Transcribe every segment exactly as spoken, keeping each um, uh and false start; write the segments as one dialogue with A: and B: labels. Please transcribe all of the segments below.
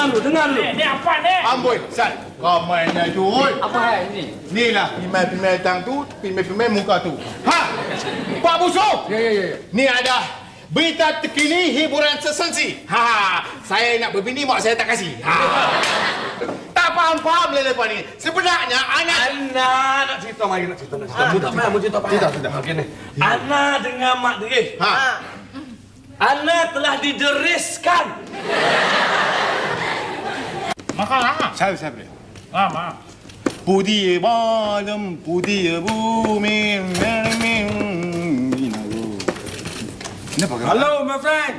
A: dengar lu, dengar lu.
B: Ni, ni apa ni?
C: Amboi, Sat. Kau mainnya tu.
A: Apa hal ni?
C: Ni lah pimai-pimai tang tu, pimai-pimai muka tu. Ha! Pak Busuk!
A: Ya, ya, ya.
C: Ni ada berita terkini hiburan sesensi. Ha, saya nak berbini mak saya tak kasih. Ha. Tak faham-faham le lepas ni. Sebenarnya anak
B: Anak nak cerita mari nak cerita nak cerita. Mu tak payah mu cerita payah.
C: Cerita, cerita.
B: Okey ni. Anak dengan mak dia.
C: Ha.
B: Anak telah dideriskan. Makan
C: Saya saya boleh.
B: ah, maaf.
C: புதிய வானம் புதிய பூமி என்ன பார்க்கற?
A: Hello, my friend.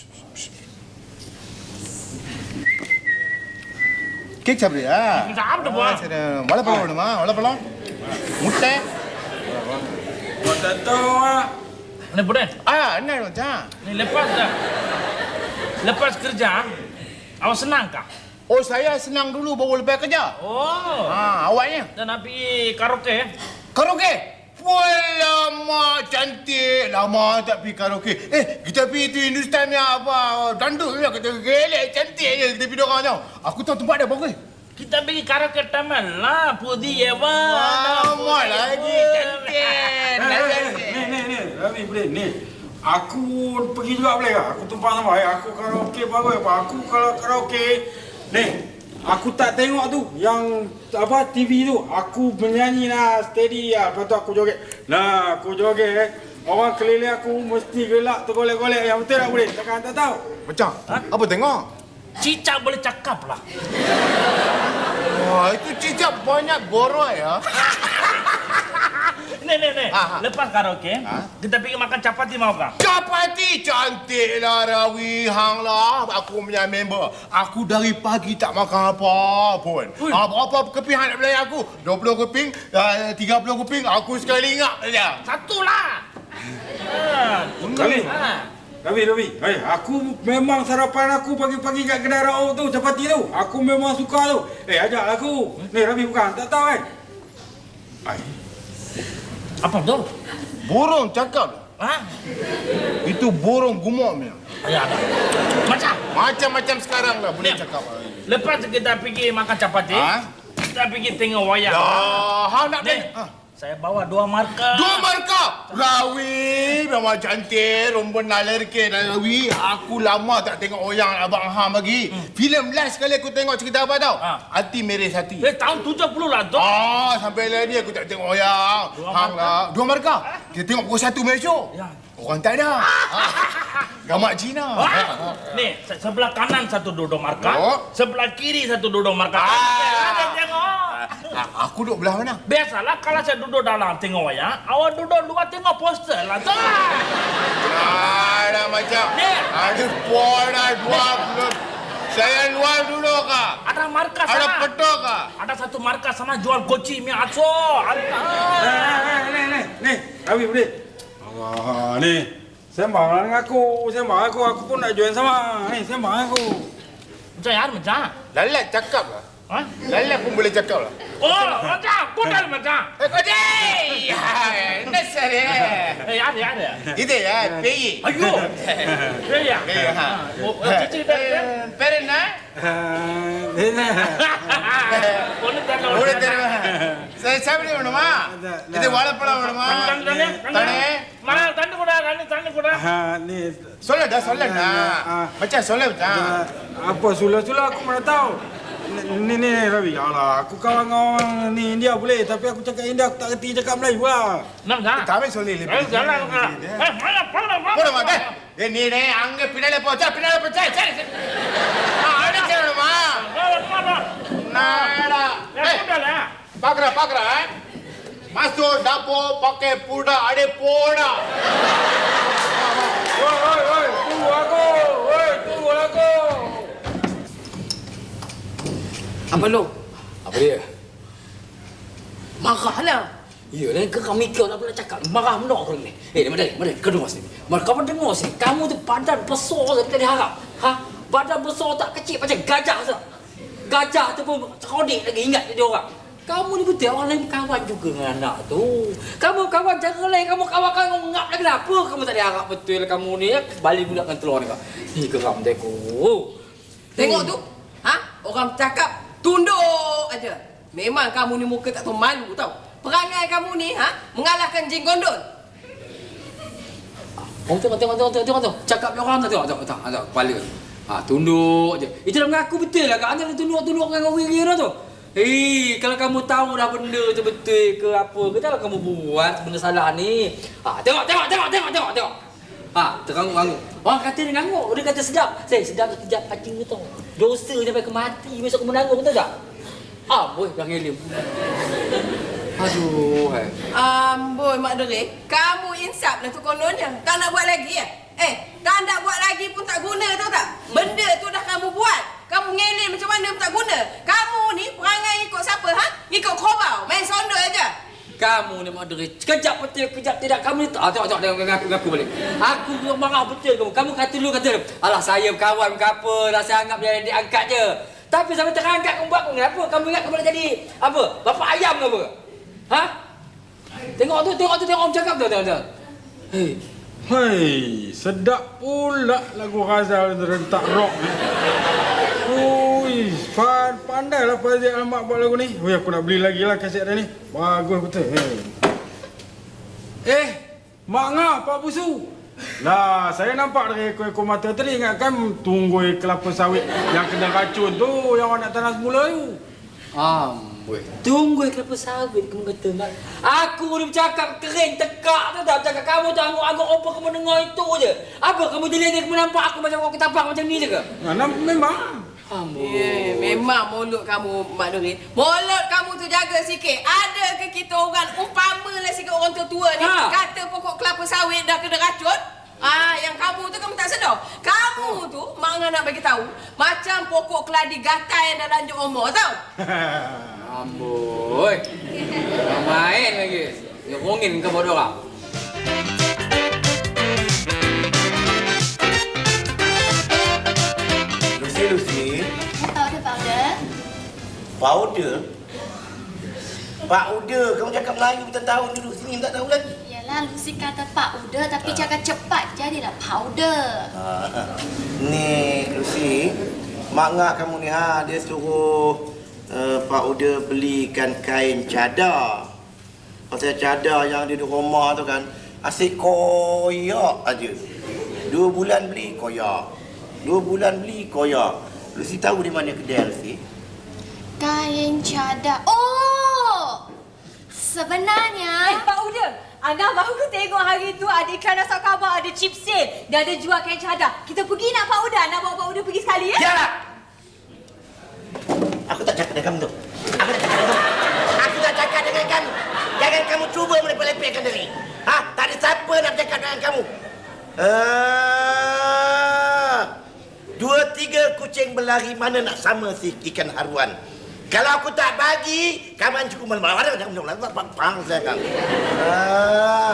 C: Cake சாப்பிடுறியா?
B: சாப்பிட்டு போ.
C: ஆ, சரி. வாழைப்பழம் வேணுமா? வாழைப்பழம்? முட்டை?
A: Kau tak tahu ah.
B: Ni Buden,
C: ஆ, என்ன மச்சான்?
B: ni lepas dah. Lepas kerja, awak senang kah?
C: Oh, saya senang dulu baru lepas kerja.
B: Oh,
C: Ha, awaknya?
B: dah nak pergi karaoke.
C: Karaoke? Lama cantik. Lama tak pergi karaoke. Eh, kita pergi tu Hindustan punya apa? Dandut je. Kita gelek cantik je kita pergi dorang tau. Aku tahu tempat dia bagus.
B: Kita pergi karaoke taman lah, Pudi Ewa.
C: Lama lagi cantik.
A: Ni, ni, ni. Ravi, boleh ni. Aku pergi juga boleh ke? Aku tumpang sama. Eh, aku karaoke bagus apa? Aku kalau karaoke ni, aku tak tengok tu yang apa T V tu. Aku menyanyi lah steady lah. Lepas tu aku joget. Nah, aku joget. Orang keliling aku mesti gelak tergolek-golek. Yang betul tak boleh? Takkan tak tahu.
C: Macam? Apa tengok?
B: Cicak boleh cakap lah.
C: Wah, itu cicak banyak borok ya.
B: Ni, ni, ni.
C: Ha, ha.
B: Lepas karaoke,
C: Ha?
B: kita pergi makan capati mau kah?
C: Capati cantiklah Rawi Hang lah. Aku punya member. Aku dari pagi tak makan apa pun. Apa-apa keping nak belayar aku. dua puluh keping, uh, tiga puluh keping. Aku sekali ingat saja.
B: Satu lah. Ha.
A: Ravi,
B: Ha.
A: Ravi, Ravi. Hey, aku memang sarapan aku pagi-pagi kat kedai Rauk tu, capati tu. Aku memang suka tu. Eh, ajak aku. Ni Ravi bukan, tak tahu kan? Ai.
B: Apa tu?
C: Burung cakap.
B: Ha?
C: Itu burung gumuk punya.
B: Ya, ada. Macam?
C: Macam-macam sekarang lah boleh
B: Ni.
C: cakap.
B: Lepas kita pergi makan capati,
C: Ha?
B: kita pergi tengok wayang.
C: Ya, hang nak
B: Ni,
C: beli? Ha.
B: saya bawa dua markah.
C: Dua markah. Rawi memang cantik, rumpun nalerke dan Rawi. Aku lama tak tengok oyang Abang Ham lagi. Hmm. Filem last sekali aku tengok cerita apa tau?
B: Ha.
C: Hati Merah Hati.
B: Eh, tahun tujuh puluh lah tu.
C: Ah, sampai lagi aku tak tengok oyang.
B: Dua
C: Hang
B: markah.
C: lah. Dua markah. Kita tengok pukul satu Malaysia.
B: Ya.
C: Orang tak ada. Ah. Gamak Cina.
B: Ha? Ni, se- sebelah kanan satu duduk markah,
C: Oh.
B: sebelah kiri satu duduk markah.
C: Ah.
B: Ada tengok.
C: Ah, aku duduk belah mana?
B: Biasalah kalau saya duduk dalam tengok wayang, awak duduk luar tengok poster lah tu.
C: Ada macam.
B: Ni.
C: Ada pola dua belum. Saya luar dulu kah?
B: Ada markah
C: Ada
B: sana.
C: petok kah?
B: Ada satu markah sana jual koci mi aso.
A: Eh, eh, ni, ni, ni. Ravi, boleh? Allah, ni. Sembang lah dengan aku. Sembang aku. Aku pun nak join sama. Ni, sembang aku.
B: Macam yaar macam.
C: Lalat cakap lah.
B: Ha?
C: Lalat pun boleh cakap lah.
B: Oh, macam. Kudal macam.
C: Eh, kau deh! Nasar eh.
B: Eh, yaar yaar.
C: Itu ya, peyi.
B: Ayo. Eh ya.
C: Peyi, ha.
B: Oh, cici dah.
C: Perena?
A: Ni, ni.
B: Boleh tak?
C: Boleh terima. Saya சாப்பிட வேணுமா? இது வாழைப்பழம் வேணுமா?
B: Tanda tanda.
C: தண்ணி?
B: Mana tanda kuda, tanda tanda kuda.
A: Ha, ni.
C: சொல்லடா சொல்லடா.
A: Ah.
C: மச்சான் சொல்ல மச்சான்.
A: Ah, apa sulah-sulah aku mana tahu. Ni, ni, ni, Ravi. Alah, aku kawan dengan orang ni India boleh. Tapi aku cakap India, aku tak kerti cakap Melayu lah.
B: Nam dah.
C: தாமே சொல்லி
B: Eh, jalan ka. Eh, mana mana mana.
C: போட மாட்டேன். ஏ நீ டே அங்க பின்னால போச்சா பின்னால போச்சா சரி சரி. ஆ அடிச்சு வேணுமா?
B: Mana?
C: நாடா.
B: Eh, kuda lah.
C: பாக்குற பாக்குற. Masuk dapur pakai puda ade poda.
A: Oi, oi, oi. Tunggu aku. Oi, tunggu aku.
D: Apa lu?
E: Apa dia?
D: Marahlah.
E: Ya, dan kau mikir nak pula cakap. Marah menok kau ni. Eh, mana dia? Mana dia? Kau dengar sini. Mana kau dengar sini? Kamu tu badan besar seperti tadi harap. Ha? Badan besar tak kecil macam gajah sah. Gajah tu pun kodik lagi ingat dia orang. Kamu ni betul orang lain kawan juga dengan anak tu. Kamu kawan cara lain, kamu kawan kamu ngap lagi kenapa? Kamu tak ada harap betul kamu ni. Balik pula dengan telur ni kau. Ni geram deku.
D: Tengok tu. Ha? orang cakap tunduk aja. Memang kamu ni muka tak tahu malu tau. Perangai kamu ni ha mengalahkan jin gondol.
E: Oh, tengok, tengok, tengok, tengok, tengok, tengok. Cakap orang tu, tengok, tengok, tengok, tengok, kepala. Ha, tunduk je. Itu dah mengaku betul lah, Kak. Anda tunduk-tunduk dengan wira tu. Hei, kalau kamu tahu dah benda tu betul ke apa ke, janganlah kamu buat benda salah ni. Ha, tengok, tengok, tengok, tengok, tengok, tengok. Ha, teranguk-anguk. Orang kata dia nganguk, dia kata sedap. Saya sedap sekejap pacing tu tau. Dosa sampai ke mati, besok kamu nanggung, betul tak? Ah, boy, dah ngelim. Aduh, hai.
D: Amboi Mak Dere, kamu insaf lah tu kononnya. Tak nak buat lagi ya? Eh, tak nak buat lagi pun tak guna tahu tak? Benda tu dah kamu buat. Kamu ngelin macam mana pun tak guna. Kamu ni perangai ikut siapa ha? Ikut korau, main sondol aja.
E: Kamu ni Mak Dere, sekejap betul, sekejap tidak. Kamu ni, ah, tengok, tengok, tengok, ngaku, ngaku balik. Aku marah betul kamu. Kamu kata dulu, kata, alah saya kawan ke apa, dah saya anggap dia diangkat je. Tapi sampai terangkat kamu buat aku, kenapa? Kamu ingat kamu nak jadi, apa, bapa ayam ke apa? Ha? Tengok tu, tengok tu, tengok Om cakap tu, tengok, tengok. Hei.
A: Hei, sedap pula lagu Ghazal rentak rock ni. Ui, Fan, pandailah Fazil Ahmad buat lagu ni. Ui, aku nak beli lagi lah kaset dia ni. Bagus betul. Hey. Eh, Mak Ngah, Pak Busu. Lah, saya nampak dari ekor-ekor mata tadi ingatkan tunggui kelapa sawit yang kena racun tu, yang awak nak tanam semula tu.
E: Amboi. Tunggu kelapa sawit kamu kata, Mak. Aku ni bercakap kering, tekak tu tak cakap kamu tu angguk-angguk apa kamu dengar itu je. Apa kamu dilihat kamu nampak aku macam orang ketapang macam ni je ke?
A: Nah, memang.
E: Amboi.
D: Eh, memang mulut kamu Mak Dere. Mulut kamu tu jaga sikit. Ada ke kita orang umpamalah sikit orang tua-tua ni
E: Ha.
D: kata pokok kelapa sawit dah kena racun? Ah, yang kamu tu kamu tak sedar. Kamu tu Mak Ngah nak bagi tahu macam pokok keladi gatai yang dah lanjut umur tau.
E: Amboi. Orang main lagi. Dia rongin ke bodoh orang.
C: Lucy, Lucy.
F: Powder, powder.
C: Powder? Powder? Kamu cakap Melayu tak tahu duduk sini tak tahu lagi.
F: Yalah, Lucy kata powder tapi cakap cepat jadilah powder.
C: Ha, ni Lucy, Mak Ngah kamu ni ha, dia suruh uh, Pak Uda belikan kain cadar. Pasal cadar yang dia di rumah tu kan asyik koyak aja. Dua bulan beli koyak. Dua bulan beli koyak. Lucy tahu di mana kedai Lucy?
F: Kain cadar. Oh! Sebenarnya...
G: Eh, Pak Uda, Ana baru tengok hari tu ada iklan asal khabar, ada chip sale. Dia ada jual kain cadar. Kita pergi nak Pak Uda? Nak bawa Pak Uda pergi sekali ya?
C: Janganlah! Aku tak cakap dengan kamu tu. Aku tak cakap dengan kamu. Aku tak cakap dengan kamu. Jangan kamu cuba melepek-lepekkan diri. Ha? Tak ada siapa nak bercakap dengan kamu. Ah, dua tiga kucing berlari mana nak sama si ikan haruan. Kalau aku tak bagi, kamu cukup malam-malam. Ada macam mana? Pang saya kamu. Ah.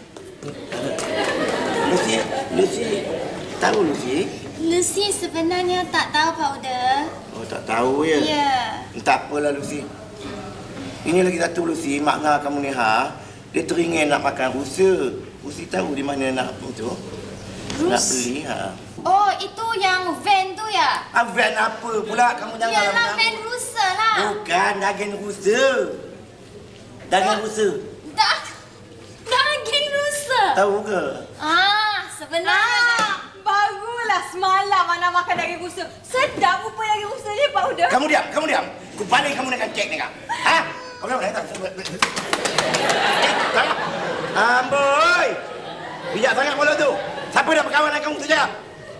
C: Lucy, Lucy. Tahu Lucy?
F: Lucy sebenarnya tak tahu powder.
C: Oh, tak tahu ya?
F: Ya.
C: Tak apalah Lucy. Ini lagi satu Lucy, Mak Ngah kamu ni ha, dia teringin nak makan rusa. Lucy tahu di mana nak tu? Nak beli ha.
F: Oh, itu yang van tu ya?
C: Ah, van apa pula? Kamu jangan
F: Yalah, van rusa lah.
C: Bukan, daging rusa. Daging rusa.
F: Dah, daging rusa.
C: Tahu ke?
F: Ah, sebenarnya...
G: Ah, barulah semalam Ana makan daging rusa. Sedap rupa daging rusa ni Pak Uda.
C: Kamu diam, kamu diam. Ku pandai kamu nak cek ni kak. Ha? Kamu dah tak? Eh, tak. Amboi. Bijak sangat bola tu. Siapa nak berkawan dengan kamu tu je?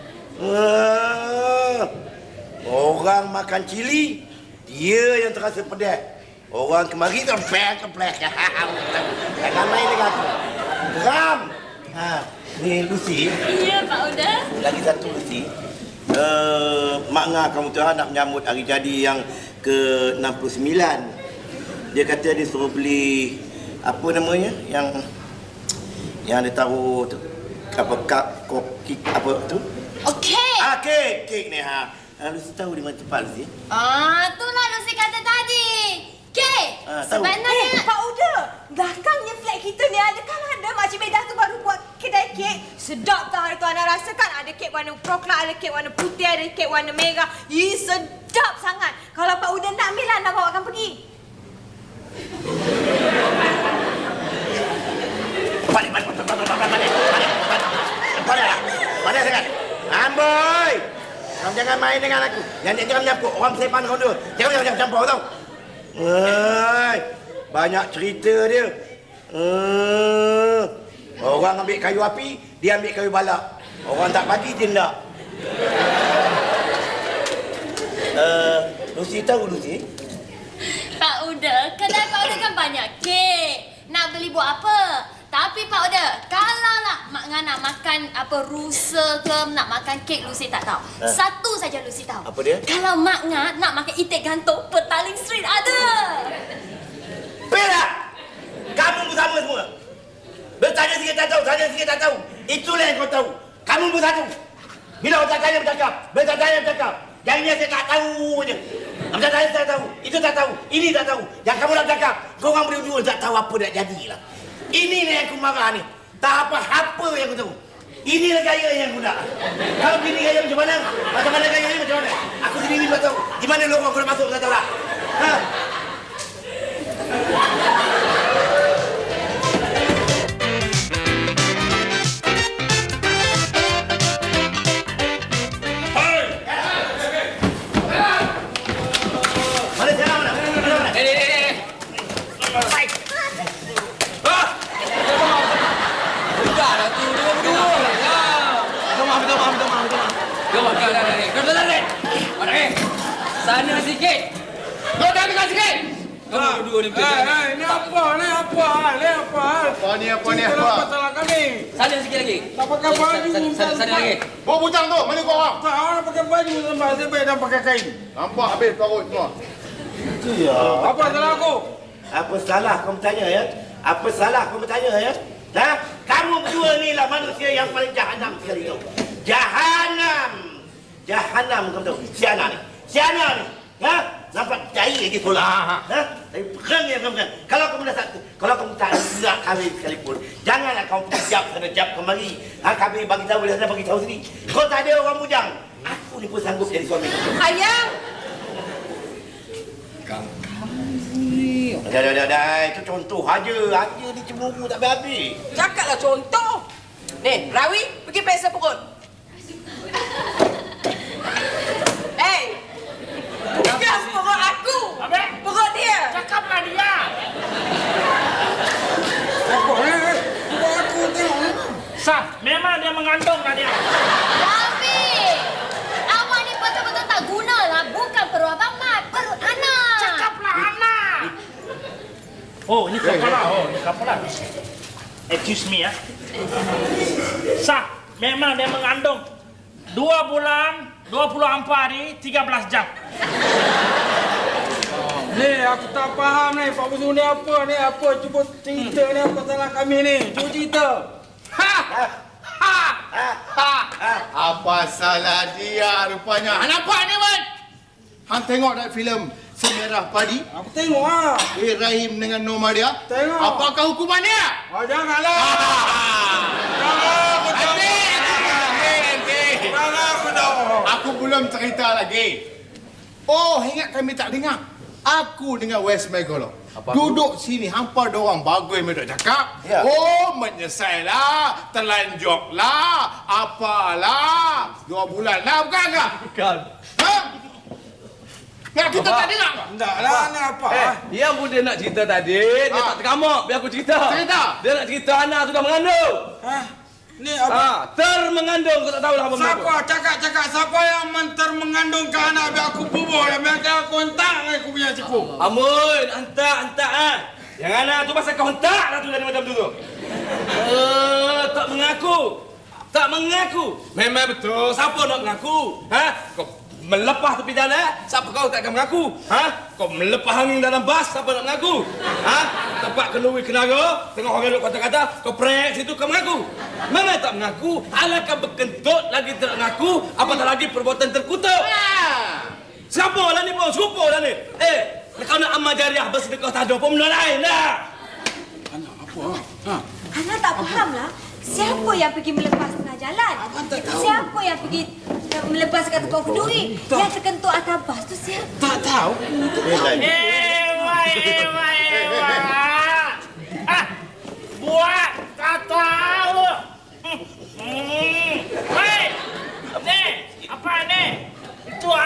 C: Uh, orang makan cili, dia yang terasa pedas. Orang kemari tu plek-plek. Jangan main dengan aku. Geram. Ha, ni Lucy.
F: Ya, Pak Uda.
C: Lagi satu Lucy. Uh, Mak Ngah kamu tu nak menyambut hari jadi yang ke enam puluh sembilan. Dia kata dia suruh beli apa namanya yang yang dia taruh tu apa kak koki apa tu?
F: Okey.
C: Ah, kek, kek ni ha. Ah, Lucy tahu di mana tempat Lucy?
F: Ah, itulah Lucy kata tadi. Okey.
C: Ah, tahu.
F: Sebenarnya...
G: Eh, Pak Uda, belakangnya flat kita ni ada kan ada Makcik Medah tu baru buat kedai kek. Sedap tak hari tu Ana rasakan. Ada kek warna coklat, ada kek warna putih, ada kek warna merah. Ih, sedap sangat.
H: main dengan aku. Yang ni jangan menyampuk. Orang sepan kau dua. Jangan jangan jangan campur tau. Hei, banyak cerita dia. Hmm. Orang ambil kayu api, dia ambil kayu balak. Orang tak bagi dia nak. Uh, Lucy tahu Lucy?
F: Pak Uda, kedai Pak Uda kan banyak kek. Nak beli buat apa? Tapi Pak Uda, kalau lah Mak Ngah nak makan apa rusa ke, nak makan kek, Lucy tak tahu.
H: Eh.
F: Satu saja Lucy tahu.
H: Apa dia?
F: Kalau Mak Ngah nak makan itik gantung, Petaling Street ada.
H: Perak! Kamu bersama semua. Bertanya sikit tak tahu, tanya sikit tak tahu. Itulah yang kau tahu. Kamu bersatu. Bila orang tak tanya bercakap, bertanya tanya bercakap. Yang ini saya tak tahu je. Macam saya tak tahu, itu tak tahu, ini tak tahu. Yang kamu nak cakap, kau orang berdua tak tahu apa nak jadilah. Ini yang aku marah ni. Tak apa-apa yang aku tahu. Inilah gaya yang aku nak. Kalau begini gaya macam mana? Macam mana gaya ni macam mana? Aku sendiri tak tahu. Di mana lorong aku nak masuk tak tahu lah. Ha?
E: Sana sikit.
B: Kau dah dengar sikit.
E: Kamu berdua ni betul.
A: Eh, eh, ni apa? Ni apa? Ni apa?
C: Apa ni, apa ni,
A: Cerita
C: apa?
A: masalah kami.
E: Sana sikit lagi.
A: Tak pakai baju.
E: Sana, sana, sana lagi.
C: Bawa bujang tu, mana kau orang?
A: Tak, orang pakai baju tambah. Saya baik dah pakai kain.
C: Nampak habis perut semua.
A: Apa salah aku?
H: Apa salah kau bertanya ya? Apa salah kau bertanya ya? Ha? Kamu berdua ni lah manusia yang paling jahanam sekali tau. Jahanam. Jahanam kamu tahu. Siana ni. Siana ni. Ha? Nampak jahil lagi tolak. Ha? Tapi pegang yang kamu kan. Kalau kamu dah satu, kalau kamu tak nak kahwin sekalipun, janganlah kamu jap sana jap kemari. Ha, kami bagi tahu, dia sana bagi tahu sini. Kau tak ada orang bujang. Aku ni pun sanggup jadi suami kamu.
D: Ayang!
H: Dah, dah, dah, dah. Itu contoh aja. Aja ni cemburu tak habis-habis.
D: Cakaplah contoh. Ni, Rawi, pergi peksa perut. Hey! Bukan perut aku.
B: Apa?
D: Perut dia.
B: Cakaplah dia.
A: Apa ni? Buat aku tengok ni.
B: Sah, memang dia mengandung dah dia.
F: Rafi! Awak ni betul-betul tak guna lah. Bukan perut Abang Mat, perut anak.
B: Cakaplah anak. Oh, ni kepala. Oh, ni kepala. Excuse me ya. Sah, memang dia mengandung. Dua bulan, dua puluh empat hari, tiga belas jam.
A: Ni aku tak faham ni. Pak Busu ni apa ni? Apa? Cuba cerita ni apa salah kami ni? Cuba cerita.
B: Ha! Ha! Ha!
C: Apa salah dia rupanya? Han nampak ni, Wan? Han tengok tak filem Semerah Padi?
A: Aku tengok ah.
C: Eh, Rahim dengan Nomadia?
A: Tengok.
C: Apakah hukuman dia?
A: Oh, janganlah. Jangan aku tahu.
C: Nanti, nanti, nanti.
A: Jangan aku tahu.
C: Aku belum cerita lagi. Oh, ingat kami tak dengar? Aku dengan West Megalo. Duduk sini, hampa dorang bagus mereka cakap.
H: Ya.
C: Oh, menyesailah, terlanjuklah, apalah. Dua bulan lah, bukan ke?
E: Bukan.
C: Ha? Nah, kita tak dengar ke?
A: Tak lah, ni apa?
I: Eh, dia pun dia nak cerita tadi. Dia
C: Ha.
I: tak terkamak. Biar aku cerita.
C: Cerita?
I: Dia nak cerita anak sudah mengandung.
A: Hah? Ni apa?
I: Ah, termengandung. Kau tak tahu lah apa benda
A: Siapa? Cakap-cakap siapa yang mentar mengandungkan anak biar aku bubuh dan biar aku hentak aku punya cipu.
I: Amun, hantar, hantar ah. Yang anak tu pasal kau hentak lah tu dari macam tu tu. Eh, tak mengaku. Tak mengaku. Memang betul. Siapa nak mengaku? Ha? Kau melepas tepi jalan, siapa kau tak akan mengaku? Ha? Kau melepas angin dalam bas, siapa nak mengaku? Ha? Tempat kenduri kenara, tengok orang duduk kata-kata, kau prek situ kau mengaku. Memang tak mengaku. Alangkah berkentut lagi tak mengaku, apatah lagi perbuatan terkutuk. Siapa lah ni pun? Siapa lah ni? Eh, kau nak amal jariah bersedekah tak ada pun benda lain lah.
A: Anak apa? Ha?
G: Ana tak faham lah. Siapa yang pergi melepas tengah jalan? Siapa yang pergi uh, melepas kat tukang kenduri? Yang terkentut atas bas tu siapa?
A: Tak tahu.
B: Ewa, ewa, ewa. Ah, buat tak tahu. Hmm. Hei, ni, apa ni? Itu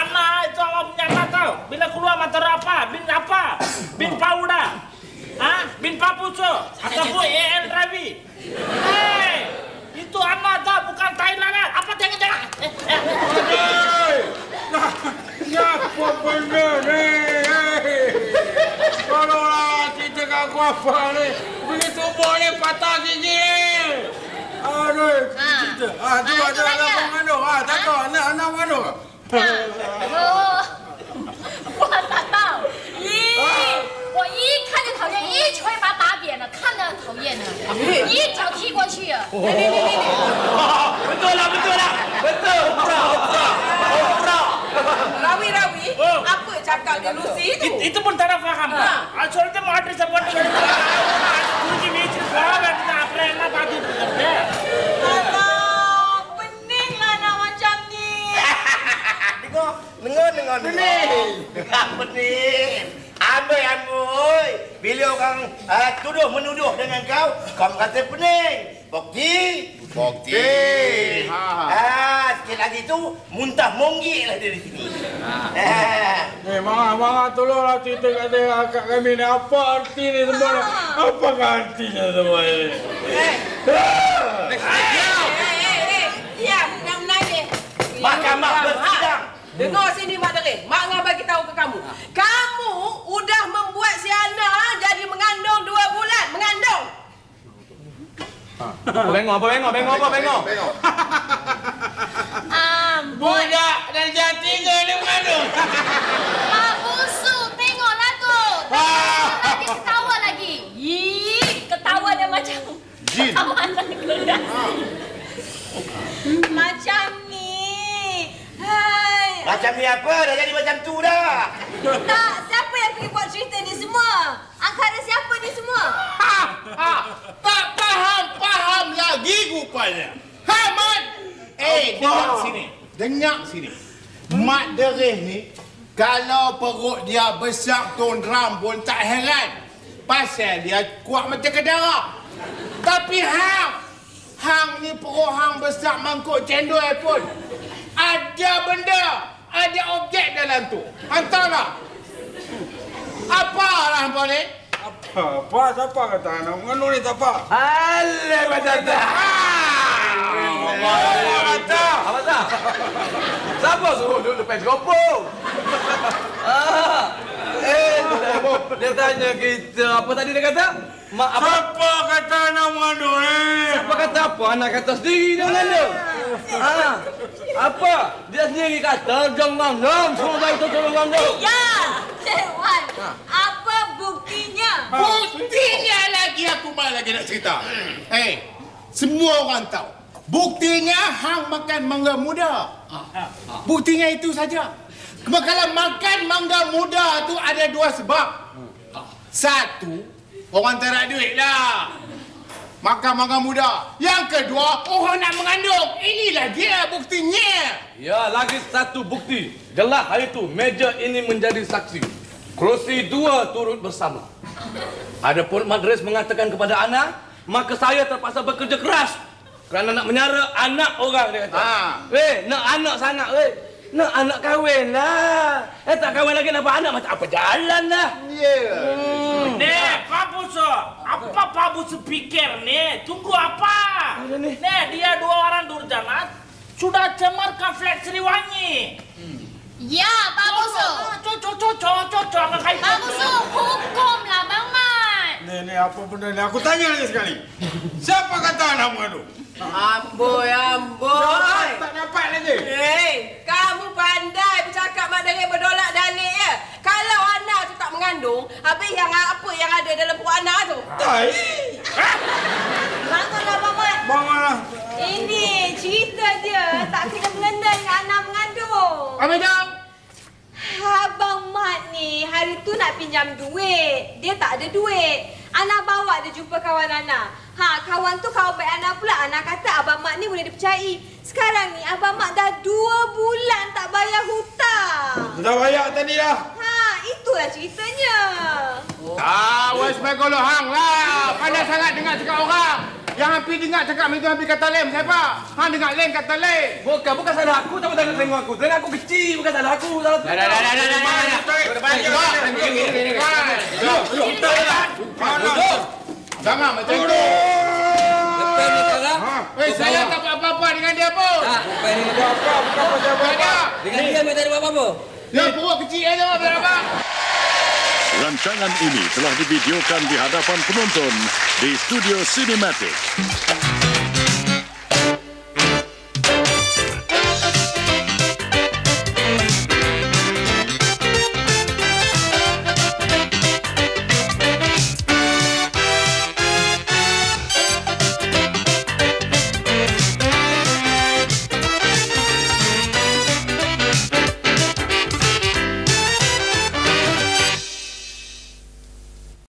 A: Hei! Apa benda ni? Hei! Tolonglah cerita kat aku apa ni? Begitu boleh patah gigi ni. Aduh,
F: Ha.
A: cerita. Ah, tu
F: Ah,
A: ada
F: itu
A: anak
F: tanya.
A: mengandung. Ah, tak tahu anak anak mengandung.
F: 哦，我打到，咦，我一看就讨厌，一拳把他打扁了，看着讨厌呢，一脚踢过去了。
I: Betul lah, betul lah. Betul. Betul. Betul.
D: Rawi-rawi, apa cakap dia Lucy tu?
B: It- itu pun tak faham. Ah, soalnya mau ada support dengan kunci meja gua dan kita apa yang nak bagi bekerja.
G: Alah, peninglah nak macam ni.
H: Dengar, dengar, dengar, dengar. Dengar pening. Amboi, amboi. Bila orang uh, tuduh menuduh dengan kau, kau kata pening. Bukti?
C: Bukti. Ha.
H: Ah, sikit lagi tu muntah monggik lah dia di sini. Ah.
A: Eh, Mama, Mama tolonglah cerita kat dia, kat kami ni. Apa arti ni semua ni? Apakah artinya semua ini?
D: Eh, eh, eh, eh, diam, nak menangis.
H: Mahkamah
D: Diam,
H: bersidang.
D: ha. Dengar sini Mak Derin. Mak nak bagi tahu ke kamu. Kamu udah membuat si Ana jadi mengandung dua bulan. Mengandung.
I: Apa bengok, apa bengok, bengok, apa bengok.
F: Amboi,
A: Budak dan jam tiga ni mengandung.
F: Pak Busuk, tengoklah tu. Lagi ketawa lagi. Ih, ketawa dia macam
C: Jin.
F: ketawa anak kelas.
G: Macam ni. Hai.
H: Macam ni apa? Dah jadi macam tu dah.
G: Tak, siapa yang pergi buat cerita ni semua? Angkara siapa ni semua?
C: Ha, ha. Tak faham, faham lagi rupanya. Ha, Mat. Eh, dengar sini. Dengar sini. Mat Derih ni, kalau perut dia besar tondram pun tak heran. Pasal dia kuat macam kedara. Tapi Hang, Hang ni perut Hang besar mangkuk cendol pun. Ada benda, ada objek dalam tu. Hantarlah. Apa lah hampa ni?
A: Apa? Apa? Siapa kata anak mengandung ni tak apa?
I: Alah, macam tu.
A: Apa kata?
I: Apa tak? Siapa suruh duduk depan teropong? Ah. Eh, dia tanya kita, apa tadi dia kata? Mak apa?
A: Siapa kata anak mengandung ni?
I: Apa kata apa? Anak kata sendiri dia mengandung. Ah. Apa? Dia sendiri kata jangan ngam, semua tahu tu jangan mengandung.
G: Ya, Cik Wan. Apa buktinya?
C: Buktinya lagi aku malah lagi nak cerita. Eh, semua orang tahu. Buktinya Hang makan mangga muda. Buktinya itu saja. Kalau makan mangga muda tu ada dua sebab. Satu, orang tak ada duit lah. Makan mangga muda. Yang kedua, orang nak mengandung. Inilah dia buktinya.
I: Ya, lagi satu bukti. Jelas hari itu meja ini menjadi saksi. Kerusi dua turut bersama. Adapun Madris mengatakan kepada Ana, maka saya terpaksa bekerja keras kerana nak menyara anak orang, dia kata.
C: Ha.
I: Eh, nak anak sangat, eh. Nak anak kahwin lah. Eh, tak kahwin lagi nak buat anak macam apa jalan lah.
C: Ya.
I: Hmm.
B: Nih, Pak Busuk, apa Pak Busuk pikir nih? Tunggu apa?
I: Ada nih.
B: Nih, dia dua orang durjana sudah cemarkan flat Sriwangi.
F: Ya, Pak Busuk.
B: Cocok, cocok, cocok, nggak kayak
F: Pak Busuk, hukumlah Bang Mat.
A: Ni, ni apa benda ni? Aku tanya lagi sekali. Siapa kata anak mengandung?
D: Amboi, amboi.
A: Tak dapat lagi.
D: Hei, kamu pandai bercakap Mak Derin berdolak dalil ya. Kalau Ana tu tak mengandung, habis yang apa yang ada dalam perut Ana tu?
A: Tai.
G: Bangunlah, Abang Mat.
A: Bangunlah.
G: Ini cerita dia tak kena mengena dengan anak mengandung.
C: Apa dah?
G: Abang Mat ni hari tu nak pinjam duit. Dia tak ada duit. Ana bawa dia jumpa kawan Ana. Ha, kawan tu kawan baik Ana pula. Ana kata Abang Mat ni boleh dipercayai. Sekarang ni Abang Mat dah dua bulan tak bayar hutang.
A: Sudah bayar tadi dah.
G: Ha, itulah ceritanya.
C: Ah, wes begolo Hang lah. Pandai sangat dengar cakap orang. Yang hampir dengar cakap itu hampir kata lem siapa? Hang dengar lem kata lem.
I: Bukan, bukan salah aku, tapi tak tengok aku. Tengok aku kecil, bukan salah aku. Salah tu.
C: Dah dah dah dah dah dah. Jangan macam tu.
I: Lepas ni sekarang.
C: Eh, saya tak buat apa-apa dengan dia pun.
I: Tak, lepas ni.
A: Apa? Bukan pasal apa.
E: Dengan dia tak ada buat apa-apa.
C: Ya, perut kecil aja, berapa?
J: Rancangan ini telah divideokan di hadapan penonton di Studio Cinematic.